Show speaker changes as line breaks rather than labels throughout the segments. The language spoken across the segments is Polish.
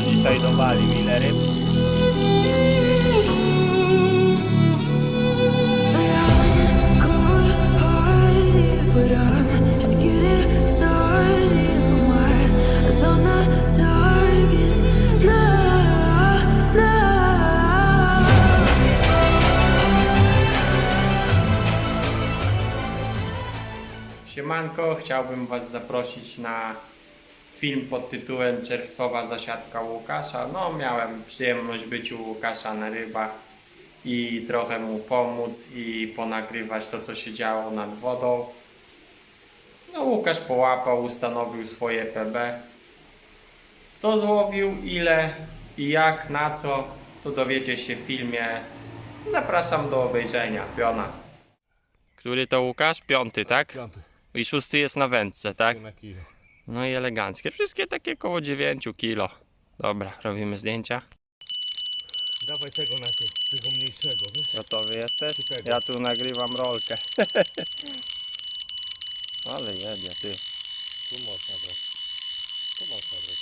Łukasz dzisiaj dowalił ile ryb? Siemanko, chciałbym Was zaprosić na film pod tytułem Czerwcowa zasiadka Łukasza. No, miałem przyjemność być u Łukasza na rybach i trochę mu pomóc i ponagrywać to, co się działo nad wodą. No, Łukasz połapał, ustanowił swoje PB. Co złowił, ile i jak, na co, to dowiecie się w filmie. Zapraszam do obejrzenia. Piona. Który to Łukasz? Piąty, tak?
Piąty.
I szósty jest na wędce, tak?
Na kilo.
No i eleganckie. Wszystkie takie koło 9 kilo. Dobra, robimy zdjęcia.
Dawaj tego najpierw, tego mniejszego, wiesz?
Gotowy jesteś?
Czy tego?
Ja tu nagrywam rolkę. Ale jedzie, ty.
Tu można brać. Tu można brać.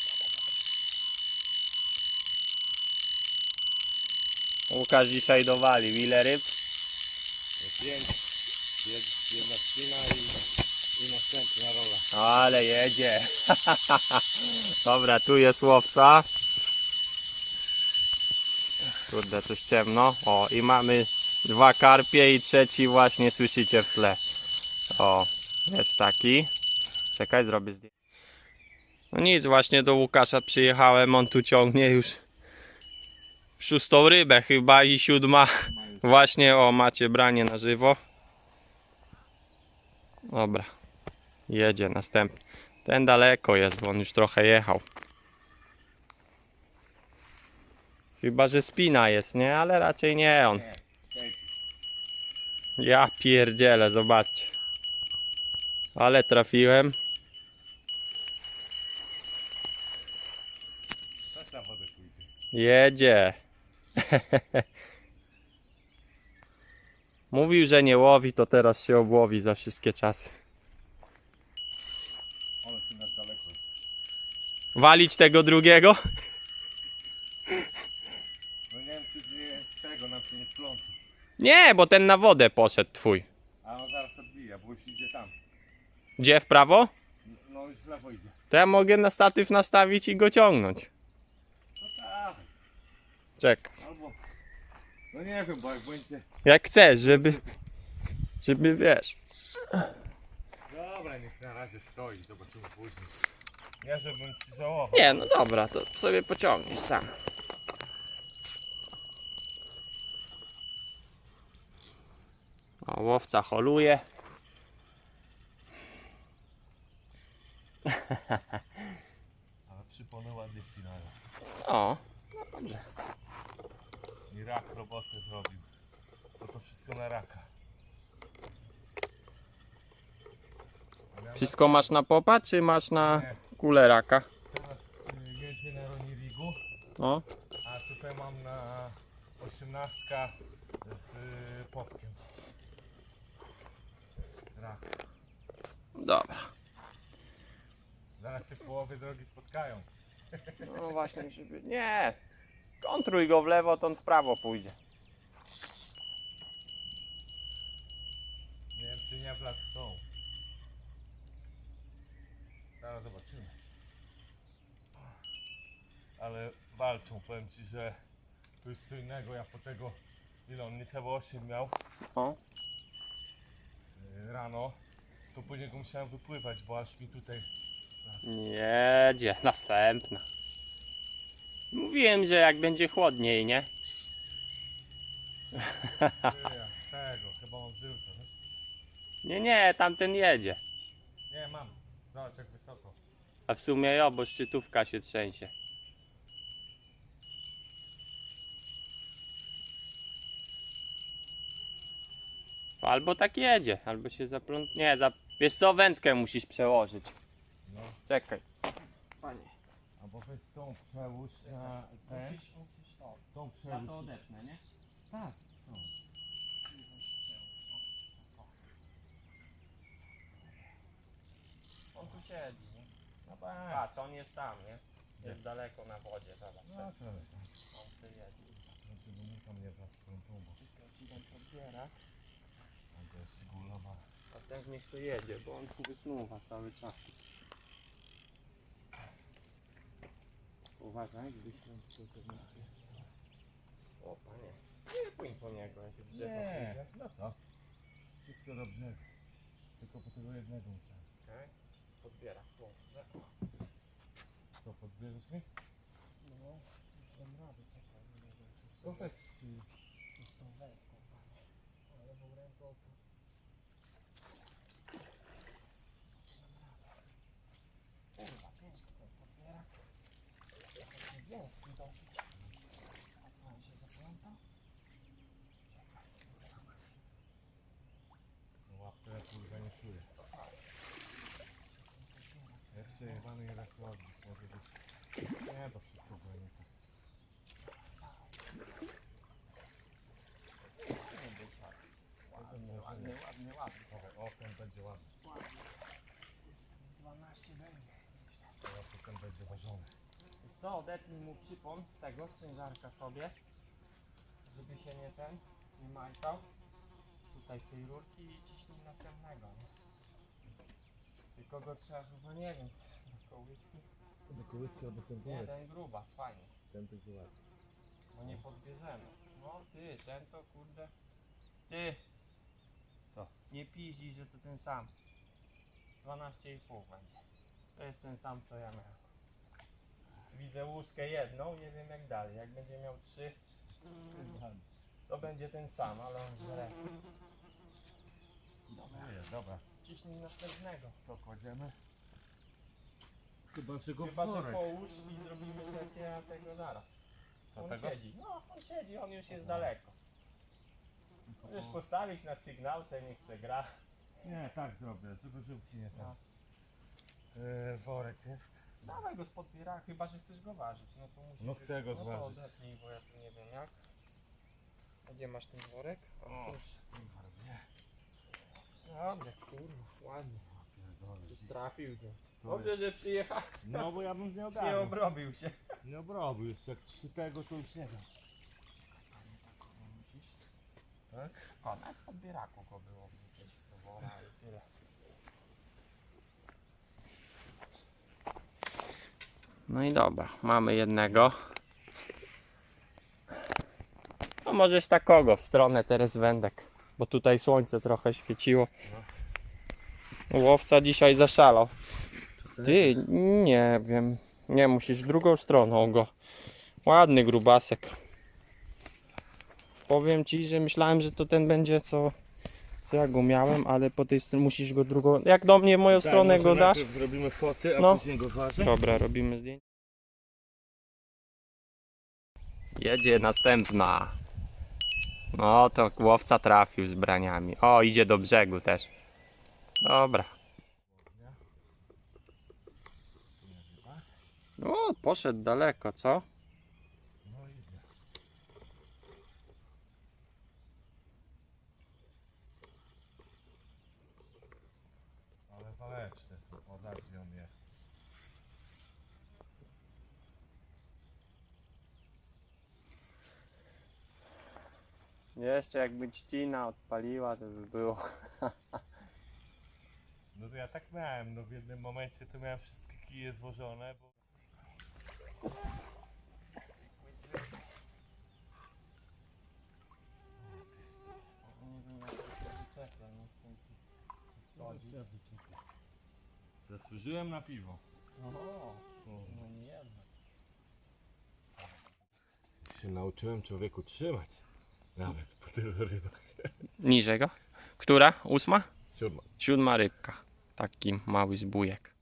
Łukasz dzisiaj dowalił. Ile ryb?
5. Jedna spina i następna rola.
Ale jedzie. Dobra, tu jest łowca. Kurde, coś ciemno. O, i mamy 2 karpie i trzeci właśnie słyszycie w tle. O, jest taki. Czekaj, zrobię zdjęcie. No nic, właśnie do Łukasza przyjechałem. On tu ciągnie już 6. rybę chyba i 7. Właśnie, o, macie branie na żywo. Dobra, jedzie następny. Ten daleko jest, bo on już trochę jechał. Chyba że spina jest, nie? Ale raczej nie on. Ja pierdzielę, zobaczcie. Ale trafiłem.
Też na wodę pójdzie.
Jedzie. Mówił, że nie łowi, to teraz się obłowi za wszystkie czasy.
Ale tu na daleko jest.
Walić tego drugiego?
No nie wiem, czy nie z tego nam się nie wplączy.
Nie, bo ten na wodę poszedł twój.
A on zaraz odbija, bo już idzie tam.
Gdzie, w prawo?
No już w lewo idzie.
To ja mogę na statyw nastawić i go ciągnąć.
No tak.
Czekaj.
Albo... No nie wiem, bo jak będzie...
Jak chcesz, żeby wiesz.
Dobra, niech na razie stoi, zobaczymy później. Nie, żebym ci żałował.
Nie, no dobra, to sobie pociągniesz sam. O, łowca holuje.
Ale przypony ładnie spinają.
O, no dobrze.
I rak robotę zrobił. Bo to wszystko na raka.
Wszystko masz na popa, czy masz na
Nie.
kulę raka?
Teraz jedzie na Ronirigu,
O,
a tutaj mam na 18 z popkiem. Rak.
dobra.
Zaraz się w połowie drogi spotkają.
No właśnie, żeby... Nie. Kontruj go w lewo, to on w prawo pójdzie.
Nie wiem, czy nie w lat są. Zaraz zobaczymy. Ale walczą, powiem ci, że tu jest co innego. Ja po tego, ile on niecałe 8 miał
O.
rano, to później go musiałem wypływać, bo aż mi tutaj...
Jedzie, następna. Mówiłem, że jak będzie chłodniej, nie?
Tego, chyba on żył to, wiesz?
Nie, tamten jedzie.
Nie, mam. Zobacz jak wysoko.
A w sumie jo, bo szczytówka się trzęsie. Albo tak jedzie, albo się zapląt... Nie, wiesz co, wędkę musisz przełożyć.
No.
Czekaj. Panie.
Albo weź tą przełóż na ten.
Musisz to.
Tą
Ja
przełóż.
to odepnę, nie?
Tak. No.
On tu siedzi, nie?
No tak.
Patrz, on jest tam, nie? Jest daleko na wodzie, zobacz.
No
tak?
to
On sobie jedzie.
żeby mu tam nie wlazł w tą tubą.
Tylko ci tam podbiera.
A to jest sigulowa.
A też niech to jedzie, bo on tu wysnuwa cały czas. Uważaj, gdybyś tam tylko sobie nie. O panie, nie pójdź po niego, jak w drzewo
Nie,
przyjdzie.
no co? Wszystko do brzegu. Tylko po tego jednego musiałem.
Okej, podbiera.
To podbierzesz mi?
No, już dam radę, czekaj, nie wiem czy z
To
tą
weź.
czy z tą wędką, panie. Ale lewą ręką to... Kurwa, ciężko ten podbierak. Taki wielki dosyć. A co, on się zaplątał?
No łapkę ja kurwa nie czuję. Jeszcze jebany jeden słodki. Może być. Nie, to wszystko będzie tak.
Nie być ładny, ładny, ładny, ładny.
O, ten będzie ładny.
Ładny jest. Z 12 będzie.
Teraz to ten będzie ważony.
Wiesz co, odetnij mu przypon z tego, z ciężarka sobie, żeby się nie majtał. Tutaj z tej rurki i ciśnij następnego, nie? Tylko go trzeba chyba, nie wiem, do kołyski.
Do kołyski albo ten
Nie, ten grubas, fajnie,
Ten będzie ładny.
bo nie podbierzemy. No ty, ten to kurde. Ty!
Co?
Nie piździ, że to ten sam. 12,5 będzie. To jest ten sam, co ja miałem. Widzę łuskę jedną, nie wiem jak dalej. Jak będzie miał 3, to będzie ten sam, ale on żre. Dobra,
Jest, dobra.
ciśnij następnego.
To kładziemy. Chyba, że go
Chyba,
w
że
worek.
połóż i zrobimy sesję tego zaraz.
Co
On
tego?
siedzi. No, on siedzi, on już jest daleko. Już postawić na sygnałce, niech se gra.
Nie, tak zrobię, żeby żółki nie tam.
No.
Worek jest.
Dawaj go z podbiera, chyba że chcesz go ważyć. No to musisz.
No chcę go
no to
zważyć.
odetnij, bo ja tu nie wiem jak. A gdzie masz ten worek?
O,
O,
kurwa, wie.
dobrze, kurwa, ładnie.
Pierdolę,
Już
dziś-
trafił go.
To
Dobrze, że przyjechał.
No bo ja bym nie
Nie
ogarnął.
obrobił się.
Nie obrobił jeszcze, jak 3 tego to już nie wiem. Tak?
O, nawet w podbieraku go było wrzucić do wora i tyle. No i dobra, mamy jednego. No możesz takogo w stronę teraz wędek, bo tutaj słońce trochę świeciło. Łowca dzisiaj zaszalał. Ty, nie wiem. Nie, musisz drugą stroną go. Ładny grubasek. Powiem ci, że myślałem, że to ten będzie co ja go miałem, ale po tej stronie musisz go drugą. Jak do mnie w moją stronę
Tak, może
go dasz?
najpierw zrobimy foty, a
No.
później go ważę.
Dobra, robimy zdjęcie. Jedzie następna. No to łowca trafił z braniami. O, idzie do brzegu też. Dobra. O, poszedł daleko, co?
No idzie. Ale waleczne są, o tak gdzie on jest.
Jeszcze jakby trzcina odpaliła, to by było.
No to ja tak miałem, no w jednym momencie to miałem wszystkie kije złożone, bo...
Nie wiem jak to się wyczepia, nie chcę ci szkodzić.
Zasłużyłem na piwo.
O, no nie jedno.
Się nauczyłem człowieku trzymać. Nawet po tylu rybach.
Niżej go? Która? 8?
7.
7 rybka. Taki mały zbójek.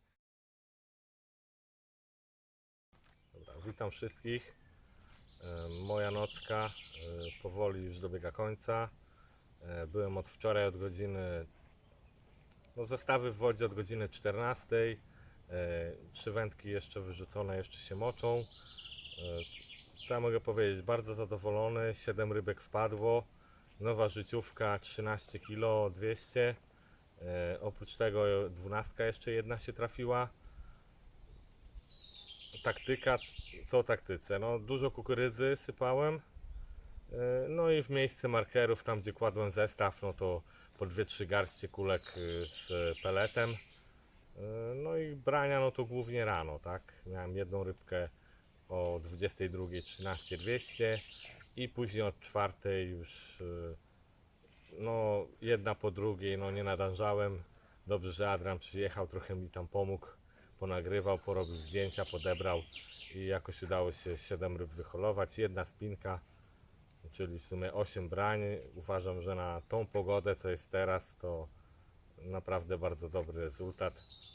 Dobra, witam wszystkich. Moja nocka powoli już dobiega końca. Byłem od wczoraj od godziny, no zestawy w wodzie od godziny 14. 3 wędki jeszcze wyrzucone, jeszcze się moczą. Co ja mogę powiedzieć? Bardzo zadowolony. 7 rybek wpadło. Nowa życiówka 13 kg 200. Oprócz tego 12 jeszcze jedna się trafiła. taktyka, co o taktyce? No, dużo kukurydzy sypałem. No i w miejsce markerów, tam gdzie kładłem zestaw, no to po 2-3 garście kulek z peletem. No i brania, no to głównie rano, tak? Miałem jedną rybkę o 22:13 200 i później od 4 już no jedna po drugiej, no nie nadążałem. Dobrze, że Adrian przyjechał, trochę mi tam pomógł, ponagrywał, porobił zdjęcia, podebrał i jakoś udało się 7 ryb wyholować, jedna spinka, czyli w sumie 8 brań. Uważam, że na tą pogodę, co jest teraz, to naprawdę bardzo dobry rezultat.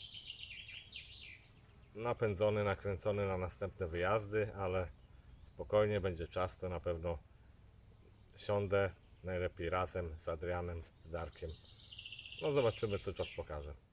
Napędzony, nakręcony na następne wyjazdy, ale spokojnie, będzie czas, to na pewno siądę, najlepiej razem z Adrianem, z Darkiem. No zobaczymy, co czas pokaże.